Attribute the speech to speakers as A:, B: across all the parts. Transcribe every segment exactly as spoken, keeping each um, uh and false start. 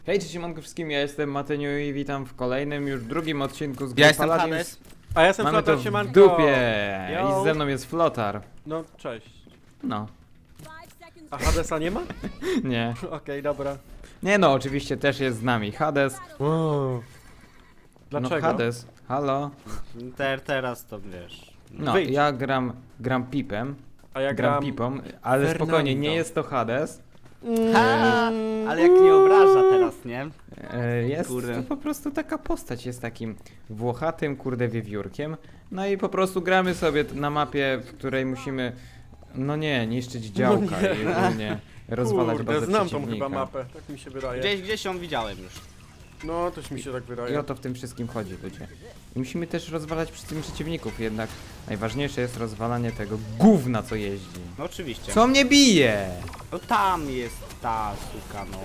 A: Hej, cześć siemanko wszystkim, ja jestem Matyniu i witam w kolejnym, już drugim odcinku z gry
B: Ja jestem
A: Paladins.
B: Hades.
C: A ja jestem
A: Mamy
C: Flotar,
A: to w
C: siemanko.
A: dupie
C: Yo.
A: i ze mną jest Flotar.
C: No, cześć.
A: No,
C: A Hadesa nie ma?
A: nie.
C: Okej, dobra.
A: Nie no, oczywiście też jest z nami Hades.
C: Wow. Dlaczego?
A: No Hades, halo.
B: Ter, teraz to wiesz.
A: No,
C: Wyjdź.
A: ja gram, gram pipem,
C: A ja
A: gram
C: gram...
A: pipą, ale
C: Fernando.
A: spokojnie, nie jest to Hades.
B: Ha, ale jak nie obraża teraz, nie?
A: E, Jest
B: Kurde.
A: to po prostu taka postać, jest takim włochatym, kurde, wiewiórkiem. No i po prostu gramy sobie na mapie, w której musimy, no nie, niszczyć działka
C: nie.
A: i ogólnie rozwalać
C: Kurde,
A: bazę
C: znam tą
A: przeciwnika.
C: chyba mapę, tak mi się wydaje.
B: Gdzieś, gdzieś ją widziałem już.
C: No, też mi się tak
A: I
C: wydaje.
A: o to w tym wszystkim chodzi, ludzie. I musimy też rozwalać przy tym przeciwników, jednak najważniejsze jest rozwalanie tego gówna, co jeździ.
B: No oczywiście.
A: Co mnie bije?
B: No tam jest ta suka, no.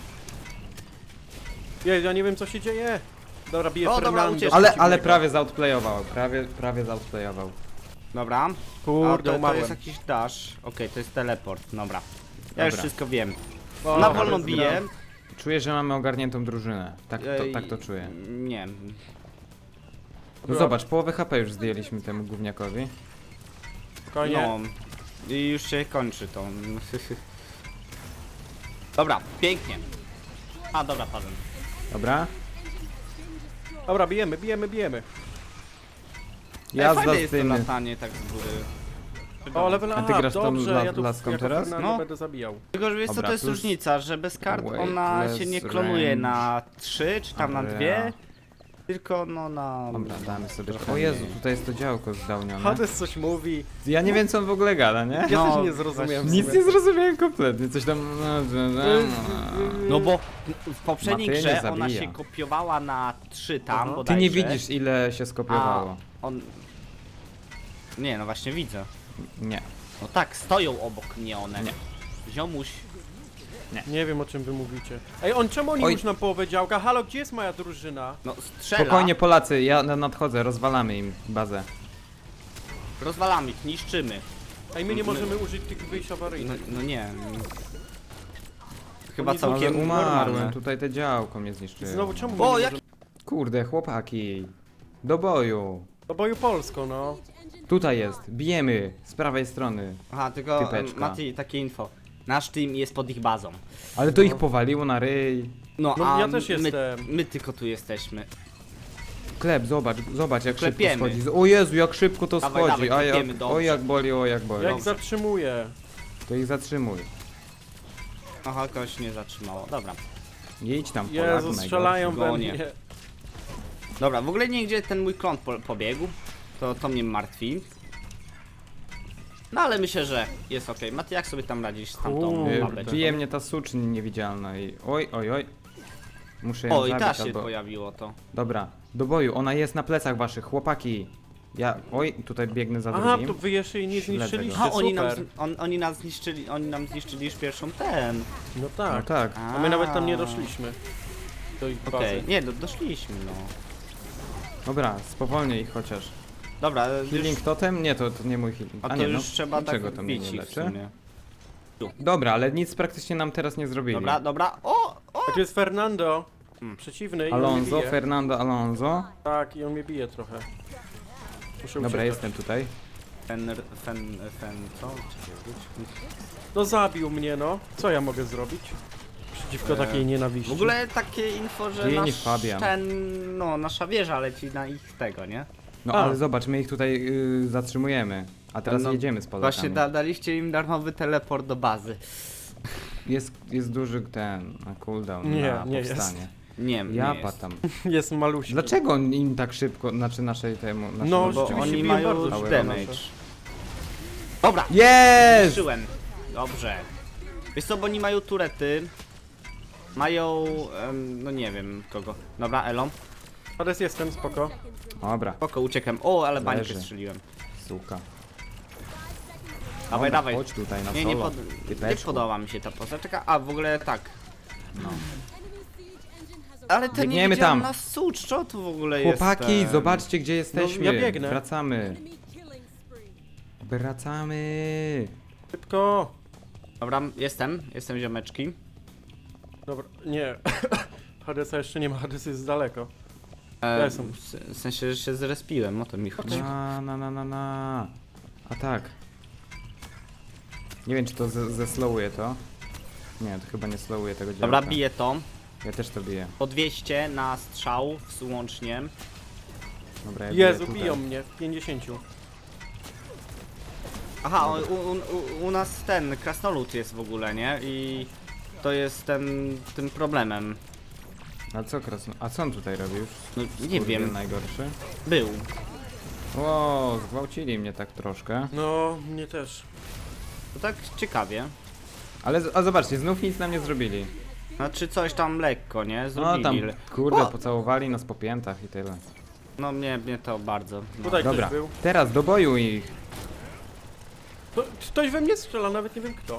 C: Jej, ja nie wiem co się dzieje. Dobra, bije
B: O, dobra,
C: Fernando.
B: ucieczka.
A: Ale,
C: przeciwnego.
A: ale prawie zoutplayował, prawie, prawie zoutplayował.
B: Dobra.
C: Kurde,
B: A to, to
C: umarłem.
B: jest jakiś dash. Okej, to jest teleport, dobra. Ja już
A: Dobra.
B: wszystko wiem.
C: O,
B: Na
C: dobra,
B: wolno
C: zgra-
B: biję.
A: Czuję, że mamy ogarniętą drużynę. Tak to,
B: Ej,
A: tak to czuję.
B: Nie.
A: No
C: Dobra.
A: zobacz, połowę H P już zdjęliśmy temu gówniakowi.
C: Spokojnie.
B: No. I już się kończy to. Dobra, pięknie. A, dobra, padłem.
A: Dobra?
C: Dobra, bijemy, bijemy, bijemy.
B: Ja
A: Jazda
B: fajne
A: z
B: jest to
A: tym.
B: latanie tak z góry.
C: O, level
A: A ty
C: up,
A: grasz tą
C: dobrze,
A: la-
C: ja tu
A: laską
C: jako
A: teraz?
C: Fernando
B: No.
C: będę zabijał.
B: Tylko, że wiesz co,
A: Dobra,
B: to jest
A: plus
B: różnica, że bez kart ona się nie
A: weightless
B: klonuje
A: range.
B: na trzy czy tam na
A: Dobra.
B: dwie, tylko no na...
A: Dobra, damy sobie.
B: trochę
A: O Jezu,
B: mniej.
A: tutaj jest to działko zdałnione.
C: Hades coś mówi.
A: Ja nie wiem co on w ogóle gada, nie?
C: Ja
B: No,
C: też nie zrozumiałem. w
A: Nic
C: sumie.
A: nie zrozumiałem kompletnie, coś tam...
B: No bo w poprzedniej
A: Matyja nie
B: grze ona
A: zabija.
B: się kopiowała na trzy tam,
C: Aha.
A: Ty
B: bodajże.
A: nie widzisz ile się
B: A
A: skopiowało.
B: on... Nie, no właśnie widzę.
A: Nie.
B: No tak, stoją obok mnie one.
A: Nie.
B: Ziomuś.
C: Nie wiem o czym wy mówicie. Ej, on czemu oni
A: Oj.
C: już na połowę działka? Halo, gdzie jest moja drużyna?
B: No strzela.
A: Spokojnie Polacy, ja na- nadchodzę, rozwalamy im bazę.
B: Rozwalamy ich, niszczymy.
C: Ej, my nie
B: My-
C: możemy użyć tych wyjść
B: No,
C: awaryjnych.
B: no nie. Chyba
C: Oni
A: Ale
B: całkiem
A: umarłem,
B: normalne.
A: tutaj te działko mnie zniszczyło.
C: Znowu czemu my
B: O,
C: nie
B: jak...
C: możemy...
A: Kurde, chłopaki. Do boju.
C: Do boju Polską, no.
A: Tutaj jest, bijemy z prawej strony.
B: Aha, tylko em,
A: Typeczka.
B: Mati, takie info. Nasz team jest pod ich bazą.
A: Ale to ich powaliło na ryj.
B: No,
C: No,
B: a
C: ja też
B: my,
C: jestem.
B: my tylko tu jesteśmy.
A: Klep, zobacz, zobacz jak
B: Klepiemy.
A: szybko schodzi. O Jezu, jak szybko to
B: Dawaj,
A: schodzi.
B: dawaj,
A: A
B: klepiemy,
A: jak,
B: dobrze.
A: o jak boli, o jak boli.
C: Jak
B: Dobrze.
C: zatrzymuję.
A: To ich zatrzymuj.
B: Aha, kogoś nie zatrzymało. Dobra.
A: Jedź tam, Polaku,
C: Jezu, strzelają we
B: Gonie.
C: mnie.
B: Dobra, w ogóle nigdzie ten mój klon po pobiegł. To, to mnie martwi. No ale myślę, że jest okej. Mati, jak sobie tam radzisz z tamtą
C: Kurde.
B: babeczką?
A: Bije mnie ta suczń niewidzialna i... Oj, oj, oj. Muszę ją
B: O, i ta
A: zabić
B: się
A: albo...
B: pojawiło to.
A: Dobra, do boju, ona jest na plecach waszych, chłopaki. Ja... Oj, tutaj biegnę za
C: Aha,
A: drugim.
C: to wy jeszcze jej nie
A: Śledzę go.
C: zniszczyliście,
B: Aha, oni nam,
C: super.
B: z- on, oni nas zniszczyli, oni nam zniszczyli już pierwszą ten.
C: No
A: No
C: tak.
A: tak.
C: A my nawet tam nie doszliśmy. Do ich bazy.
B: Okej, nie, do, doszliśmy no.
A: Dobra, spowolnij ich chociaż.
B: Dobra,
A: Healing
B: już,
A: totem? Nie, to, to nie mój healing.
B: a to
A: nie,
B: już
A: no,
B: trzeba tak
A: niczego to mnie
B: bić
A: nie
B: ich w
A: leczy.
B: sumie.
A: Dobra, ale nic praktycznie nam teraz nie zrobili.
B: Dobra, dobra, o, o!
C: A tu jest Fernando.
B: Hmm.
C: Przeciwny i on mnie
A: Alonso,
C: bije.
A: Fernando Alonso.
C: Tak, i on mnie bije trochę. Muszę
A: Dobra,
C: uciekać.
A: jestem tutaj.
B: Fen, fen, fen, co? Czekaj, wróć.
C: No zabił mnie, no. Co ja mogę zrobić? Przeciwko
B: Eee,
C: takiej nienawiści.
B: W ogóle takie info, że
A: Dzień
B: nasz
A: Fabian.
B: ten, no, nasza wieża leci na ich tego, nie?
A: No
C: A.
A: ale zobacz, my ich tutaj y, zatrzymujemy. A teraz
B: No,
A: jedziemy z Polakami.
B: Właśnie da, daliście im darmowy teleport do bazy.
A: Jest, jest duży ten na cooldown
C: Nie,
A: na
C: nie
A: powstanie.
B: Nie, nie
A: Ja
B: jest.
A: patam.
C: Jest maluśki.
A: Dlaczego on im tak szybko, znaczy naszej temu...
C: No,
A: naszemu-
B: Bo
C: rzeczywiście
B: oni
C: biją
B: mają
C: bardzo
B: już
A: szybko
B: damage.
C: nasze.
B: Dobra,
A: Jest!
B: zniszczyłem. Dobrze. Wiesz co, bo oni mają turety. Mają, em, no nie wiem kogo. Dobra, Elon.
C: Hades jestem, spoko.
A: Dobra,
B: Spoko, uciekłem. O, ale bańkę
A: Leży.
B: strzeliłem.
A: suka.
B: Dawaj,
A: Dobra,
B: dawaj.
A: chodź tutaj na
B: Nie, nie,
A: solo.
B: pod, nie
A: Typeczku.
B: podoba mi się ta postać. Czeka, a w ogóle tak. No. Ale ten
A: Biegniemy
B: nie
A: tam.
B: na sucz, co tu w ogóle
A: Chłopaki,
B: jest? em?
A: zobaczcie gdzie jesteśmy.
C: ja biegnę.
A: Wracamy. Wracamy.
C: Szybko.
B: Dobra, jestem, jestem ziomeczki.
C: Dobra, nie. Hadesa jeszcze nie ma, Hades jest daleko.
B: E,
C: Ja jestem.
B: w- w sensie, że się zrespiłem, o to mi chodzi.
A: Na, na, na, na, na. A tak. Nie wiem, czy to ze- zeslowuje to. Nie, to chyba nie slowuje tego działka.
B: Dobra, biję to.
A: Ja też to biję.
B: Po dwieście na strzał łącznie.
A: Dobra, ja biję
C: Jezu,
A: tutaj.
C: biją mnie w pięćdziesięciu.
B: Aha, u, u, u, u nas ten krasnolud jest w ogóle, nie? I to jest ten, tym problemem.
A: A co krasno... A co on tutaj robi już?
B: No, nie
A: Skurwiel
B: wiem,
A: najgorszy.
B: był.
A: Ło, zgwałcili mnie tak troszkę.
C: No, mnie też.
B: To tak ciekawie.
A: Ale, z- a zobaczcie, znów nic nam nie zrobili.
B: Znaczy coś tam lekko, nie?
A: No
B: Zrobili.
A: tam,
B: le-
A: kurde,
B: O!
A: pocałowali nas po piętach i tyle.
B: No mnie, mnie to bardzo. No.
C: Tutaj
A: Dobra,
C: ktoś był.
A: teraz do boju ich.
C: To, ktoś we mnie strzela, nawet nie wiem kto.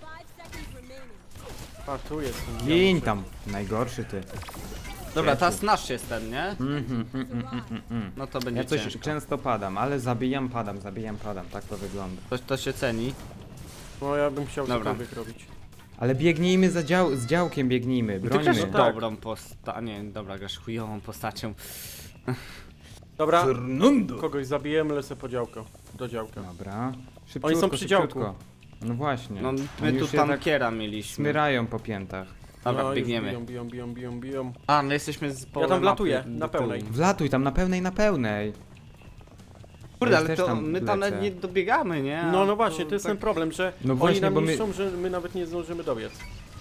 C: A, tu jest. ten
A: Gin
C: diabeł.
A: tam, najgorszy ty.
B: Dobra,
A: Ciężki.
B: teraz nasz jest ten, nie?
A: Mhm, mm, mm, mm, mm, mm.
B: No to będzie
A: Ja coś
B: ciężko.
A: często padam, ale zabijam, padam, zabijam, padam, tak to wygląda.
B: To, to się ceni.
C: No, ja bym chciał
B: Dobra.
C: cokolwiek robić.
A: Ale biegnijmy za dział z działkiem, biegnijmy,
C: też
A: brońmy.
C: no tak.
B: Dobrą posta... Nie, dobra, grasz chujową postacią.
C: Dobra,
A: Fernando.
C: kogoś zabijemy, lecę po działko. Do działka.
A: Dobra, szybciutko,
C: Oni są przy działku.
A: szybciutko. No właśnie.
B: No
A: Oni
B: my tu
A: już je
B: tankiera mieliśmy.
A: tak smyrają po piętach.
B: Dobra,
C: no, już
B: biegniemy.
C: Biją, biją, biją, biją, biją.
B: A, no jesteśmy z połowy
C: tam wlatuję,
B: mapy
C: na
B: do tyłu.
C: pełnej.
A: Wlatuj tam na pełnej, na pełnej.
B: Kurde,
A: Ja
B: ale
A: też
B: to
A: tam
B: my tam
A: lecę.
B: nawet nie dobiegamy, nie?
C: No,
B: A
C: no właśnie, to jest
B: tak-
C: ten problem, że
A: No
C: oni
A: właśnie,
C: nam
A: bo my-
C: niszczą, że my nawet nie zdążymy dobiec.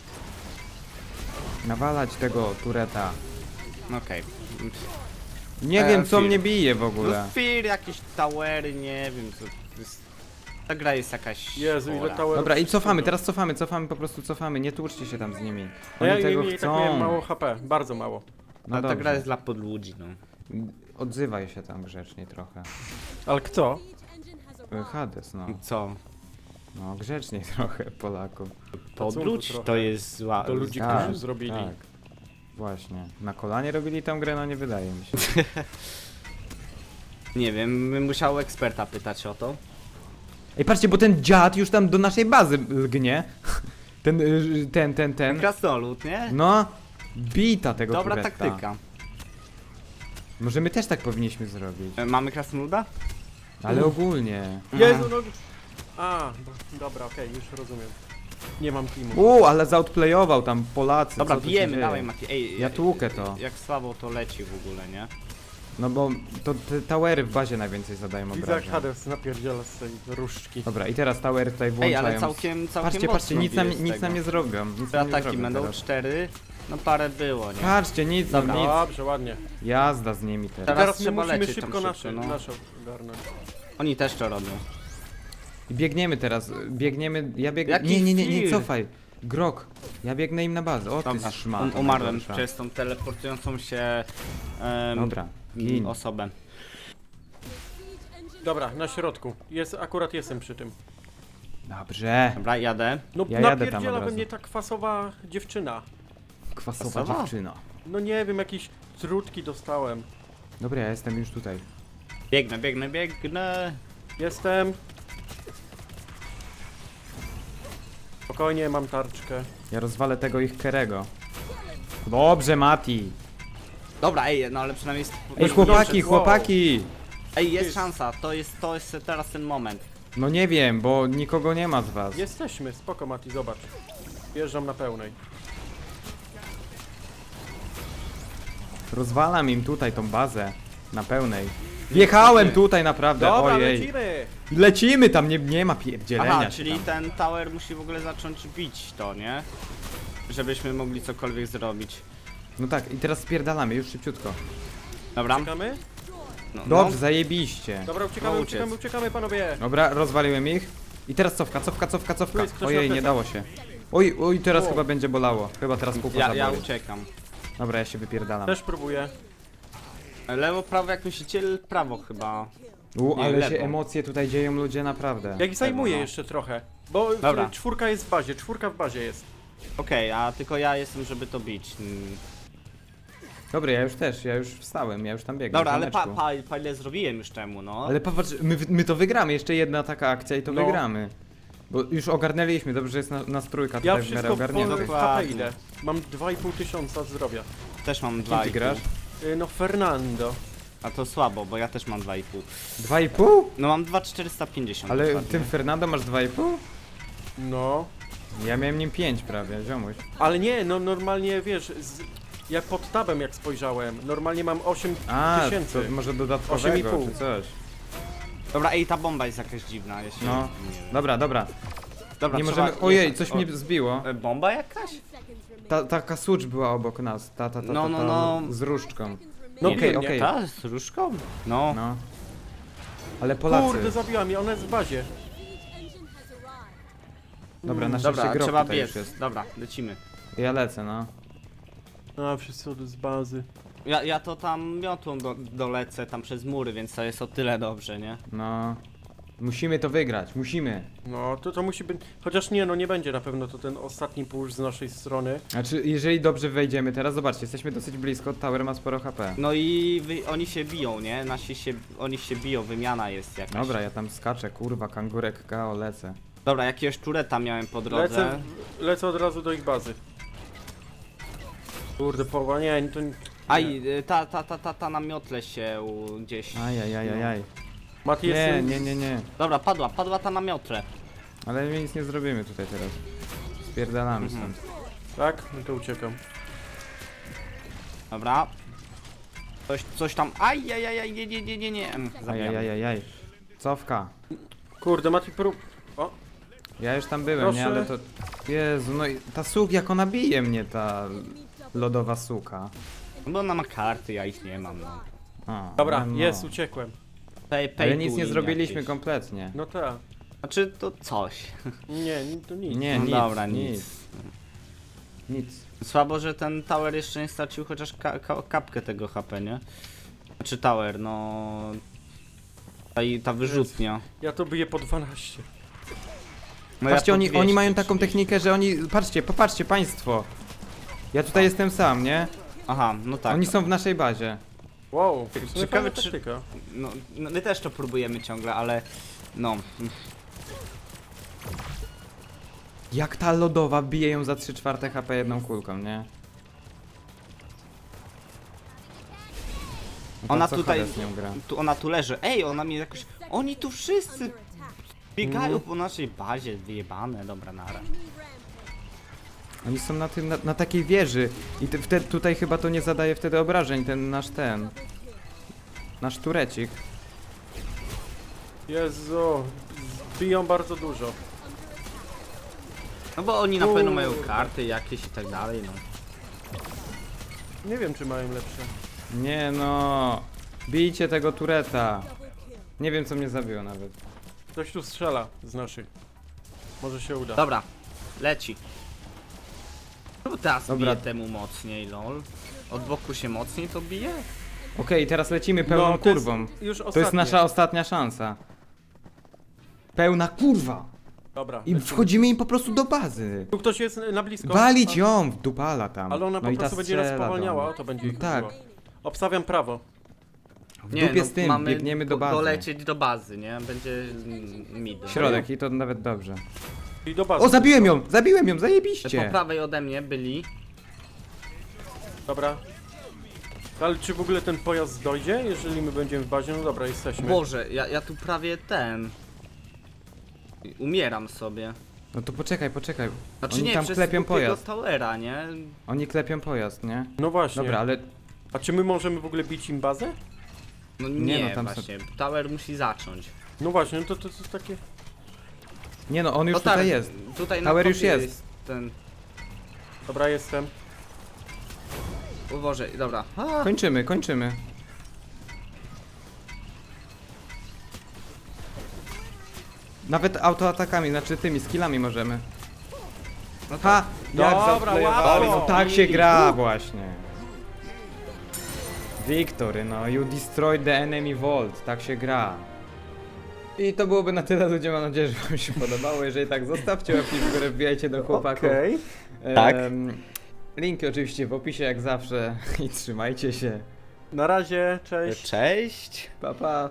A: Nawalać tego tureta.
B: Okej.
A: Nie
B: E,
A: wiem co
B: Fir.
A: mnie bije w ogóle.
B: No Fear, jakieś towery, nie wiem, co to jest... Ta gra jest jakaś...
C: Jezu, ile
B: chora.
C: towerów.
A: Dobra, i cofamy,
C: wszystkiego.
A: teraz cofamy, cofamy, po prostu cofamy, nie tłuczcie się tam z nimi.
C: No
A: Oni
C: ja
A: tego
C: i, i tak
A: chcą.
C: miałem mało H P, bardzo mało.
A: No
B: Ale ta
A: dobrze.
B: gra jest dla podludzi, no.
A: Odzywaj się tam grzecznie trochę.
C: Ale kto?
A: E, Hades, no.
B: Co?
A: No, grzecznie trochę Polaków.
B: Podludź
C: trochę.
B: to jest zła...
C: To ludzi,
A: Tak,
C: którzy zrobili.
A: Tak. Właśnie. Na kolanie robili tą grę? No nie wydaje mi się.
B: Nie wiem, bym musiał eksperta pytać o to.
A: Ej, patrzcie, bo ten dziad już tam do naszej bazy lgnie. Ten, y, ten, ten, ten.
B: Krasnolud, nie?
A: No, bita tego
B: Dobra
A: tureta.
B: taktyka.
A: Może my też tak powinniśmy zrobić.
B: E, Mamy krasnoluda?
A: Ale ogólnie.
C: Jezu, no... A, bo- dobra, okej, już rozumiem. Nie mam teamu.
A: U, ale zautplayował tam Polacy.
B: Dobra,
A: co tu się
B: bijemy,
A: dzieje?
B: dawaj Mati. Ej,
A: Ja tłukę to.
B: Jak słabo to leci w ogóle, nie?
A: No bo to te towery w bazie najwięcej zadają
C: Widzę jak
A: obrażeń.
C: Hades napierdziela z tej różdżki.
A: Dobra, i teraz towery tutaj
B: Ej,
A: włączają.
B: ale całkiem, całkiem
A: Patrzcie, patrzcie,
B: mocno
A: nic nam,
B: bije z
A: nic
B: tego.
A: nam nie zrobią. Nic
B: Te
A: nam nie
B: ataki
A: zrobią
B: będą
A: teraz.
B: cztery, no parę było, nie?
A: Patrzcie, nic nam,
B: Dobra.
A: nic.
C: Dobrze, ładnie.
A: Jazda z nimi teraz.
B: Teraz
C: Teraz my
B: trzeba
C: musimy
B: lecieć tam
C: szybko
B: szybko,
C: nasze,
B: no.
C: nasze ogarnąć.
B: Oni też to robią.
A: I biegniemy teraz, biegniemy, ja biegnę,
B: Jaki
A: nie, nie, nie, nie
B: fir?
A: cofaj. Grok, ja biegnę im na bazę, o ty
B: Dobra,
A: szmata
B: um, umarłem
A: najgorsza.
B: przez tą teleportującą się em,
A: Dobra, gin.
B: osobę.
C: Dobra, na środku. Jest, akurat jestem przy tym.
A: Dobrze.
B: Dobra, jadę.
C: No
A: Ja jadę tam od
C: napierdziela we
A: razu.
C: mnie ta kwasowa dziewczyna.
A: Kwasowa
B: Kwasowa?
A: dziewczyna.
C: No nie wiem, jakieś trutki dostałem.
A: Dobra, ja jestem już tutaj.
B: Biegnę, biegnę, biegnę.
C: Jestem. Spokojnie, mam tarczkę.
A: Ja rozwalę tego ich Kerego. Dobrze, Mati.
B: Dobra, ej, no ale przynajmniej... jest-
A: Ej,
C: Dobrze,
A: chłopaki,
C: wow.
A: chłopaki!
B: Ej, jest
C: Jest.
B: szansa, to jest, to jest teraz ten moment.
A: No nie wiem, bo nikogo nie ma z was.
C: Jesteśmy, spoko Mati, zobacz. Wjeżdżam na pełnej.
A: Rozwalam im tutaj tą bazę. Na pełnej. Wjechałem tutaj naprawdę,
C: Dobra,
A: ojej.
C: lecimy!
A: Lecimy tam, nie, nie ma pierdzielenia
B: Aha,
A: się
B: czyli
A: tam.
B: ten tower musi w ogóle zacząć bić to, nie? Żebyśmy mogli cokolwiek zrobić.
A: No tak, i teraz spierdalamy, już szybciutko.
B: Dobra?
C: Uciekamy?
B: No,
A: Dobrze,
B: no.
A: zajebiście.
C: Dobra, uciekamy,
B: No,
C: uciekamy,
B: uciec.
C: uciekamy panowie!
A: Dobra, rozwaliłem ich. I teraz cofka, cofka, cofka,
C: Tu
A: cofka.
C: jest ktoś
A: Ojej,
C: na
A: nie
C: plecach.
A: dało się. Oj, oj, teraz
C: O.
A: chyba będzie bolało. Chyba teraz pupa
B: Ja, ja
A: zaboli.
B: uciekam.
A: Dobra, ja się wypierdalam.
C: Też próbuję.
B: Lewo, prawo, jak myślicie? Prawo chyba.
A: U,
B: nie,
A: ale
B: lewo.
A: się emocje tutaj dzieją ludzie naprawdę.
C: Ja ich zajmuję
B: no.
C: jeszcze trochę. Bo
B: Dobra.
C: czwórka jest w bazie, czwórka w bazie jest.
B: Okej, a tylko ja jestem, żeby to bić. Mm.
A: Dobra, ja już też, ja już wstałem, ja już tam biegnę.
B: Dobra, ale pa,
A: ziomeczku.
B: pa, pa ile zrobiłem już temu, no.
A: Ale popatrz, my, my to wygramy, jeszcze jedna taka akcja i to
C: No.
A: wygramy. Bo już ogarnęliśmy, dobrze, że jest na, nas trójka
C: Ja
A: tutaj w miarę
C: wszystko po
A: ogarniętych.
C: H P
B: Dokładnie.
C: idę. Mam dwa i pół tysiąca zdrowia.
B: też mam
A: Kim
B: dwa
A: ty
B: i pół.
A: grasz?
C: Y, No Fernando.
B: A to słabo, bo ja też mam dwa i pół.
A: Dwa i pół?
B: No mam dwa tysiące czterysta pięćdziesiąt.
A: Ale
B: dokładnie.
A: tym Fernando masz dwa i pół?
C: No.
A: Ja miałem nim pięć prawie, ziomuś.
C: Ale nie, no normalnie wiesz, z, jak pod tabem jak spojrzałem, normalnie mam osiem
A: A,
C: tysięcy.
A: to może
C: osiem i
A: dodatkowego
C: pół.
A: czy coś.
B: Dobra, ej, ta bomba jest jakaś dziwna, jeśli...
A: No.
B: nie wiem.
A: Dobra, dobra.
B: Dobra,
A: Nie
B: trzeba
A: możemy... Ojej,
B: jechać.
A: coś
B: O,
A: mnie zbiło.
B: e, Bomba jakaś?
A: Ta, taka słucz była obok nas, ta, ta, ta, ta,
B: No,
A: ta,
B: no, no.
A: z różdżką.
C: No
B: Nie,
A: okej,
C: biegnie.
A: okej.
B: Ta, z różką? No.
A: No. Ale Polacy.
C: Kurde, zabiła mnie, ona jest w bazie.
A: Dobra, na szczęście
B: Dobra,
A: grób
B: trzeba
A: tutaj
B: biec.
A: już jest.
B: Dobra, lecimy.
A: Ja lecę, no.
C: A, wszyscy od z bazy.
B: Ja, ja to tam miotłą do, dolecę tam przez mury, więc to jest o tyle dobrze, nie?
A: No. Musimy to wygrać, musimy.
C: No, to to musi być... Chociaż nie, no nie będzie na pewno to ten ostatni push z naszej strony.
A: Znaczy, jeżeli dobrze wejdziemy teraz, zobaczcie, jesteśmy dosyć blisko, Tower ma sporo H P.
B: No i wy, oni się biją, nie? Nasi się, oni się biją, wymiana jest jakaś.
A: Dobra, ja tam skaczę, kurwa, kangurek K O, lecę.
B: Dobra, jakiegoś tureta miałem po drodze.
C: Lecę, lecę od razu do ich bazy. Kurde, połowa, nie, to nie.
B: Aj, y, ta, ta, ta, ta, ta na miotle się u- gdzieś...
A: Ajajajajaj.
C: Mati jest...
A: Nie, nie, nie, nie.
B: Dobra, padła, padła ta na miotle.
A: Ale my nic nie zrobimy tutaj teraz. Spierdalamy
B: Mhm.
A: stąd.
C: Tak? No to uciekam.
B: Dobra. Coś, coś tam... Aj, aj, aj, aj, nie, nie, nie, nie, nie. Mm, zabijam.
A: Ajajajajaj. Cofka.
C: Kurde, Mati prób... O,
A: Ja już tam byłem, nie,
C: Proszę.
A: ale to... Jezu, no i ta suk, jak ona bije mnie, ta lodowa suka.
B: Bo ona ma karty, ja ich nie mam, no.
A: A,
C: dobra,
A: no.
C: jest, uciekłem.
B: Pay, pay
A: Ale
B: to
A: nic nie
B: win
A: zrobiliśmy
B: jakieś.
A: kompletnie.
C: No tak.
B: Znaczy, to coś.
C: Nie, ni- to nic.
A: Nie,
B: No
A: nic,
B: dobra,
A: nic,
B: nic.
A: nic.
B: Słabo, że ten tower jeszcze nie stracił chociaż ka ka kapkę tego H P, nie? Znaczy tower, no... Ta, i- ta wyrzutnia.
C: Ja to biję po dwanaście.
B: No ja
A: Patrzcie,
B: po
A: oni, oni
B: dwieście
A: mają taką
B: trzydzieści.
A: technikę, że oni... Patrzcie, popatrzcie państwo. Ja tutaj jestem sam, nie?
B: Aha, no tak.
A: Oni są w naszej bazie.
C: Wow, w sumie
B: Ciekawe,
C: fajna
B: czy-
C: taktyka.
B: No, no, my też to próbujemy ciągle, ale... No...
A: Jak ta lodowa bije ją za trzy czwarte H P jedną kulką, nie? No to
B: Ona
A: co
B: tutaj-
A: Hades z nią gra?
B: Tu, ona tu leży. Ej, ona mnie jakoś... Oni tu wszyscy biegają
A: Mm.
B: po naszej bazie, wyjebane, dobra, nara.
A: Oni są na tym, na, na takiej wieży. I te, wtedy, tutaj chyba to nie zadaje wtedy obrażeń, ten nasz ten. Nasz turecik.
C: Jezu, biją bardzo dużo.
B: No bo oni na pewno mają
C: Kurde.
B: karty jakieś i tak dalej, no.
C: Nie wiem, czy mają lepsze.
A: Nie no. Bijcie tego tureta. Nie wiem co mnie zabiło nawet.
C: Ktoś tu strzela z naszych. Może się uda.
B: Dobra, leci. Czemu teraz
A: Dobra.
B: bije temu mocniej, lol? Od boku się mocniej to bije?
A: Okej, teraz lecimy pełną
C: No, to jest
A: kurwą.
C: Już
A: To jest
C: ostatnie.
A: nasza ostatnia szansa. Pełna kurwa.
C: Dobra.
A: I
C: lecimy.
A: wchodzimy im po prostu do bazy.
C: Tu ktoś jest na blisko.
A: Walić
C: A-
A: ją w dupala tam.
C: Ale ona
A: no
C: po
A: i ta
C: prostu będzie nas
A: strzela do
C: spowalniała,
A: mnie.
C: o to będzie ich
A: Tak.
C: chodziło. Obstawiam prawo.
A: W dupie z tym,
B: no, mamy
A: biegniemy do
B: po-
A: bazy.
B: dolecieć do bazy, nie? Będzie mm, mid.
A: Środek i to nawet dobrze.
C: I do bazy.
A: O, zabiłem ją! Zabiłem ją,
B: Po
A: zajebiście!
B: prawej ode mnie byli.
C: Dobra. Ale czy w ogóle ten pojazd dojdzie, jeżeli my będziemy w bazie? No dobra, jesteśmy.
B: Boże, ja, ja tu prawie ten... Umieram sobie.
A: No to poczekaj, poczekaj.
B: Znaczy
A: Oni
B: nie,
A: tam
B: przez
A: klepią
B: głupiego
A: pojazd.
B: towera, nie?
A: Oni klepią pojazd, nie?
C: No właśnie.
A: Dobra, ale
C: A czy my możemy w ogóle bić im bazę?
B: No
A: Nie,
B: nie,
A: no tam są-
B: właśnie. Tower musi zacząć.
C: No właśnie, no to to, to takie...
A: nie no, on już
B: no tak,
A: tutaj jest.
B: Tutaj na
A: Tower już
B: topie
A: jest.
B: ten...
C: Dobra, jestem.
B: O Boże, dobra. A,
A: Kończymy, kończymy. Nawet autoatakami, znaczy tymi skillami możemy.
B: no tak.
A: Ha! Jak
C: Dobra,
A: zaplayowali,
C: łatwo.
A: no tak się gra właśnie. Victory, no you destroyed the enemy vault, tak się gra. I to byłoby na tyle, ludzie, mam nadzieję, że wam się podobało. Jeżeli tak, zostawcie łapki w górę, wbijajcie do chłopaków.
C: Okej.
B: Tak.
A: Em, linki oczywiście w opisie jak zawsze i trzymajcie się.
C: Na razie, cześć.
B: Cześć.
A: Pa pa.